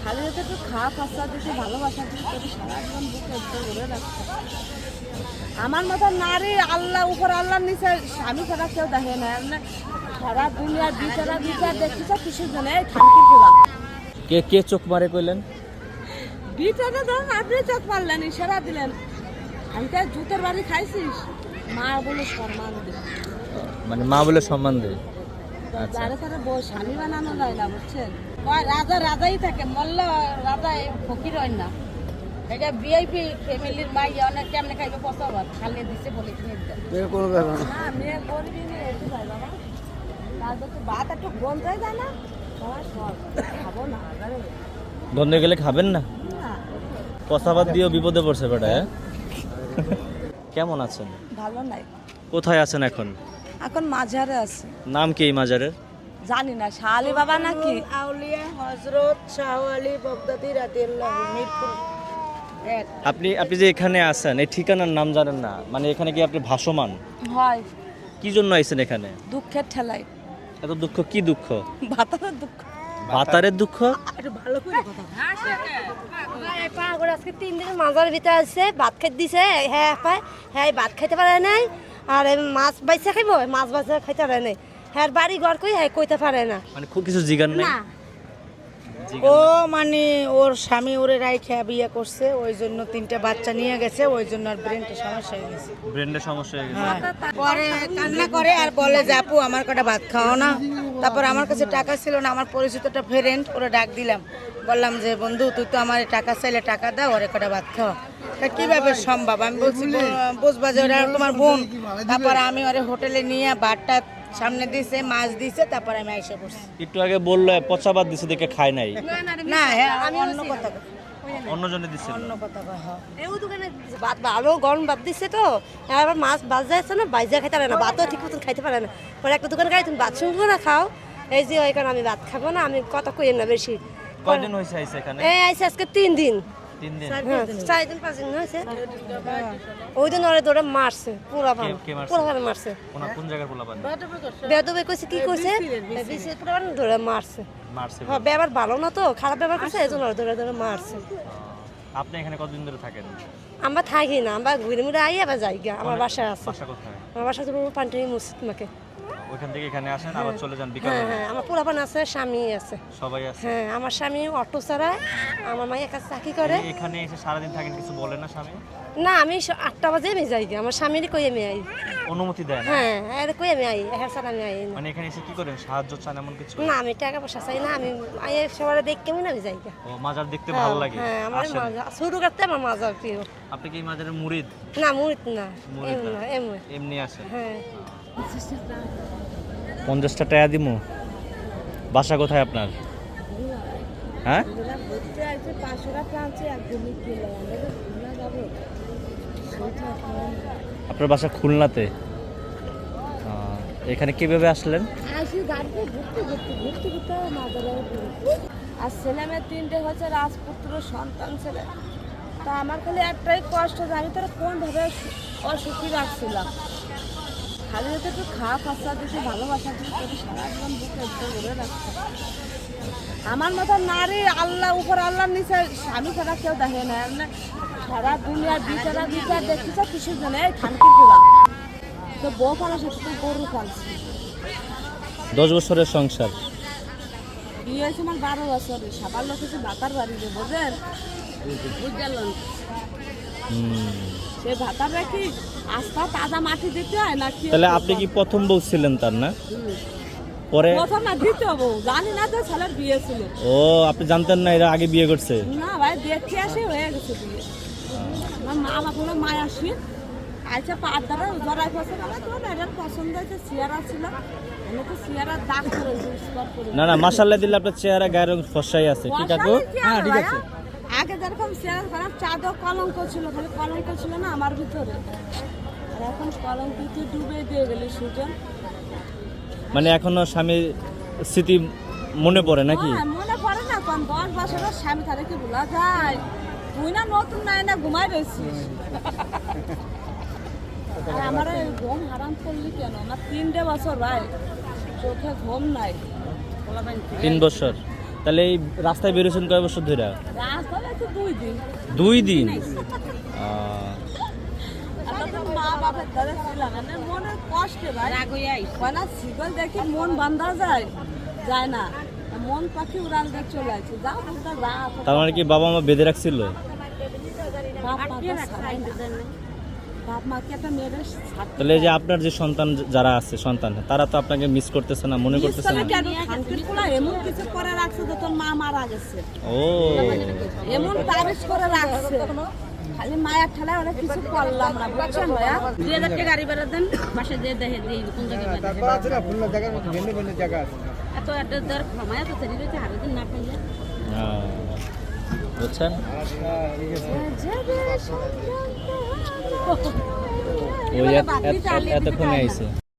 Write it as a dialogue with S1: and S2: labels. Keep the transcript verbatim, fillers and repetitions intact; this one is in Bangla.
S1: খালি হতে একটু খাওয়া খরচা দিতে ভালোবাসা দিতে তোকে সারা জীবন বুকে একটু ধরে রাখতে। আমার মতো নারী আল্লাহ উপর আল্লাহর নিচে স্বামী ছাড়া কেউ দেখে না। সারা দুনিয়া বিচারা বিচার দেখতেছ কিসের জন্য এই খানকি খোলা
S2: কে কে চোখ মারে কইলেন?
S1: বিচারে ধরুন আপনি চোখ মারলেন ইশারা দিলেন। আমি তো জুতের বাড়ি খাইছিস মা বলে সম্মান দে,
S2: মানে মা বলে সম্মান দেয়।
S1: যারে তারে বউ স্বামী বানানো যায় না বুঝছেন। কয় রাজা রাজাই থাকে, মল্ল রাজা ফকির হয় না। এটা ভিআইপি ফ্যামিলির মাই অনেক কেমনে খাইবে পচাবার খালি দিছে বলে কিনে দিতে না মেয়ে গরিবই নিয়ে এসে যায় বাবা। তারপর তো ভাত একটু গন যায় যায় না খাবো না
S2: বন্ধে গেলে খাবেন না? কষাবাদ দিয়েও বিপদে পড়ছে বেটা। হ্যাঁ কেমন আছেন?
S1: ভালো নাই।
S2: কোথায় আছেন এখন?
S1: এখন মাঝারে আছে।
S2: নাম কি এই মাজারের?
S1: জানি না শাহ আলী বাবা নাকি
S3: আউলিয়া হযরত শাহ আলী বাগদাদি রাদিয়াল্লাহু মিরপুর এক।
S2: আপনি আপনি যে এখানে আছেন এই ঠিকানার নাম জানেন না? মানে এখানে কি আপনি ভাসমান?
S1: হয়
S2: কি জন্য আইছেন এখানে?
S1: দুঃখের ঠেলাই।
S2: এত দুঃখ কি দুঃখ?
S1: ভাতারের দুঃখ।
S2: ভাতারের দুঃখ?
S3: একটু ভালো করে কথা
S4: পাগল আজকে তিন দিন মাজার ভিতরে আছে, ভাত খাইতে দিছে। হ্যাঁ পায় হ্যাঁ ভাত খাইতে পারে নাই, আর মাছ বাইসা খাইব মাছ বাইসা খাইতে পারে নাই। হ্যাঁ বাড়ি ঘর কই হ্যাঁ কইতে পারে না।
S2: মানে খুব কিছু জিগান নাই?
S4: না
S3: ও মানে ওর স্বামী ওরে রাইখা বিয়ে করছে, ওই জন্য তিনটা বাচ্চা নিয়ে গেছে, ওই জন্য আর ব্রেনটা সমস্যা হয়ে গেছে।
S2: ব্রেনের সমস্যা হয়ে গেছে।
S3: পরে কান্না করে আর বলে যে আপু আমার কটা ভাত খাও না। তারপর আমার কাছে টাকা ছিল না, আমার পরিচিতটা ফ্রেন্ড ওরা ডাক দিলাম, বললাম যে বন্ধু তুই তো আমার টাকা চাইলে টাকা দাও, ওরে কটা ভাত খাওয়া। তা কিভাবে সম্ভব? আমি বলছি বুঝবা যে ওরা তোমার বোন। তারপর আমি ওরে হোটেলে নিয়ে ভাতটা সামনে দিছে, মাছ দিছে, তারপর আমি আইসা পড়ছি।
S2: একটু আগে বললো পচাবাদ দিছে দেখে খায় নাই।
S3: না হ্যাঁ আমি অন্য কথা কই।
S2: অন্যজনে দিছিল।
S3: অন্য কথা কই হ্যাঁ।
S4: এও দোকানে ভাত ভালো গরম ভাত দিছে তো, আবার মাছ বাজা আছে না বাইজা খাইতে পারে না, ভাতও ঠিক মতন খাইতে পারে না। পরে একটা দোকানে গাড়ি তুমি ভাত শুনবো না খাও, এই যে ওই কারণে আমি ভাত খাবো না, আমি কথা কই না বেশি।
S2: কয়দিন হইছে আইছে এখানে?
S4: এই আইসে আজকে তিন দিন
S2: তিন দিন।
S4: হ্যাঁ চার দিন পাঁচ দিন হয়েছে। ওই দিন ওরে ধরে মারছে পুরা ভান
S2: কে- কে মারছে?
S4: পুরা ভান মারছে।
S2: কোন কোন জায়গার পোলাপান?
S4: বেদবে কইছে কি কইছে বিসি পুরা ভান ধরে মারছে।
S2: মারছে।
S4: হ্যাঁ ব্যবহার ভালো না তো, খারাপ ব্যবহার করছে, এই জন্য ওরে ধরে ধরে মারছে।
S2: আপনি এখানে কতদিন ধরে থাকেন?
S4: আমরা থাকি না, আমরা ঘুরে মুড়ে আই আবার যাই গা। আমার বাসা আছে,
S2: বাসা কোথায়?
S4: আমার বাসা তো পান্টানি মসজিদ মাকে।
S2: ওইখান থেকে এখানে আসেন আবার চলে যান বিকালে?
S4: হ্যাঁ হ্যাঁ আমার পোলাপান আছে, স্বামী আছে।
S2: সবাই আছে?
S4: হ্যাঁ আমার স্বামী অটো চালায়, আমার মায়ের কাছে চাকরি করে।
S2: এই- এখানে এসে সারাদিন থাকেন, কিছু বলে না স্বামী?
S4: না আমি স- আটটা বাজে আমি যাই গা, আমার স্বামীরই কই আমি আই।
S2: অনুমতি দেয় না?
S4: হ্যাঁ এর কই আমি আই, হ্যাঁ স্যার আমি আই না।
S2: মানে এখানে এসে কি করেন? সাহায্য চান এমন কিছু?
S4: না আমি টাকা পয়সা চাই না, আমি আই সবার দেখ কেমন আমি যাই গা।
S2: ও মাজার দেখতে ভালো লাগে?
S4: হ্যাঁ আমার
S2: আসেন?
S4: মাজা শুরু করতে আমার মাজা প্রিয়।
S2: আপনি কি এই মাজারের মুরিদ?
S4: না মুরিত না,
S2: মুরিদ
S4: এমন
S2: না।
S4: না এমন।
S2: এমনি আসেন?
S4: হ্যাঁ
S2: পঞ্চাশটা টাকা দিমু। বাসা কোথায় আপনার? হ্যাঁ
S1: ঘুরতে আসছে পাঁচশো টাকা আনছে একদিনই কিলো আমরা তো খুলনা যাবো সেইটা খাওয়া
S2: আপনার বাসা খুলনাতে? আহ, এখানে কিভাবে আসলেন?
S1: আসি গাড়িতে ঘুরতে ঘুরতে ঘুরতে ঘুরতে মাদারে আর ছেলে মেয়ে তিনটে হচ্ছে রাজপুত্র সন্তান ছেলে। তা আমার খালি একটাই কষ্ট যে আমি তারা কোনভাবে অসুখী রাখছিলাম। খালি হতে একটু খাওয়া খরচা দিতে ভালোবাসা দিতে তোকে সারা জীবন বুকে একটু ধরে রাখতে। আমার মতো নারী আল্লাহ উপর আল্লাহর নিচে স্বামী ছাড়া কেউ দেখে না। এমনি সারা দুনিয়া বিচারা বিচার দেখতেছ কিসের জন্য এই খানকি খোলা তো বউ পালার সাথে তো গরু পালছি।
S2: দশ বছরের সংসার।
S1: বিয়ে হয়েছে আমার বারো বছরে, সবার লোক হচ্ছে ভাতার বাড়িতে বোঝেন বুঝলেন।
S2: হুম।
S1: সে ভাতার রাখি আস্থা তাজা মাটি দিতে হয় না কি?
S2: তাহলে আপনি কি প্রথম বউ ছিলেন তার না? পরে?
S1: প্রথম না দ্বিতীয় বউ, জানি না যে ছেলের বিয়ে ছিল।
S2: ও আপনি জানতেন না এরা আগে বিয়ে করছে?
S1: না ভাই দেখে আসে হয়ে গেছে বিয়ে। আমার মা আমার কোনো মায় আসি আচ্ছা পাঁচ দ্বারা জড়াই পছন্দ আমার তোমার এটার পছন্দ হয়েছে চেয়ারা ছিল, আমি তো চেয়ারার দাগ করেছি স্পট করে।
S2: না না মাশাআল্লাহ দিলে আপনার চেহারা গায়ের রং ফসাই আছে। কি কাকু?
S1: হ্যাঁ ঠিক আছে। আগে যেরকম চেয়ার খারাপ চাঁদও কলঙ্ক ছিল, খালি কলঙ্ক ছিল না আমার ভিতরে, আর এখন কলঙ্ক তুই ডুবে দিয়ে গেলি সুজন।
S2: মানে এখনো স্বামীর স্মৃতি মনে পড়ে নাকি?
S1: হ্যাঁ, মনে পড়ে না কোন দশ বছরের স্বামী তারে কি ভোলা যায়? তুই না নতুন নাই না ঘুমাই রয়েছিস। আর আমার এই ঘুম হারাম করলি কেন? আমার তিনটে বছর ভাই চোখে ঘুম নাই।
S2: তিন বছর? তাহলে এই রাস্তায় বেরোছেন কয় বছর ধরে?
S1: রাস্তায় তো দুই দিন
S2: দুই দিন। আহ,
S1: আর তখন মা বাপের দ্বারা ছিলাম না, মনের কষ্টে ভাই কয়না শিকল দেখি মন বান্ধা যায় যায় না, মন পাখি উড়াল দিয়ে চলে আসছে। যা বলতে রাত
S2: তার মানে কি বাবা মা বেঁধে রাখছিল?
S1: বাপ মাকে ছাড়াই না। বাপ মাকে একটা মেয়ের ছাড়তে
S2: তাহলে এই যে আপনার যে সন্তান যারা আছে সন্তান, তারা তো আপনাকে মিস করতেছে না, মনে করতেছে না?
S1: কেন শান্তির পোলা এমন কিছু করে রাখছে যে তোর মা মারা গেছে,
S2: ও
S1: এমন তাবিজ করে রাখছে, খালি মায়ের ঠেলায় ওরা কিছু করলাম না, বুঝছেন ভাইয়া? দুই হাজার টাকা গাড়ি ভাড়া দেন, পাশে দিয়ে দেখে দিই কোন জায়গায় এত এত দেড় ক্ষমায় তো তৈরি রয়েছে হারে দিন না পাইলে।
S2: আহ, বুঝছেন? ওই এত- এত- এতক্ষণে আইছে।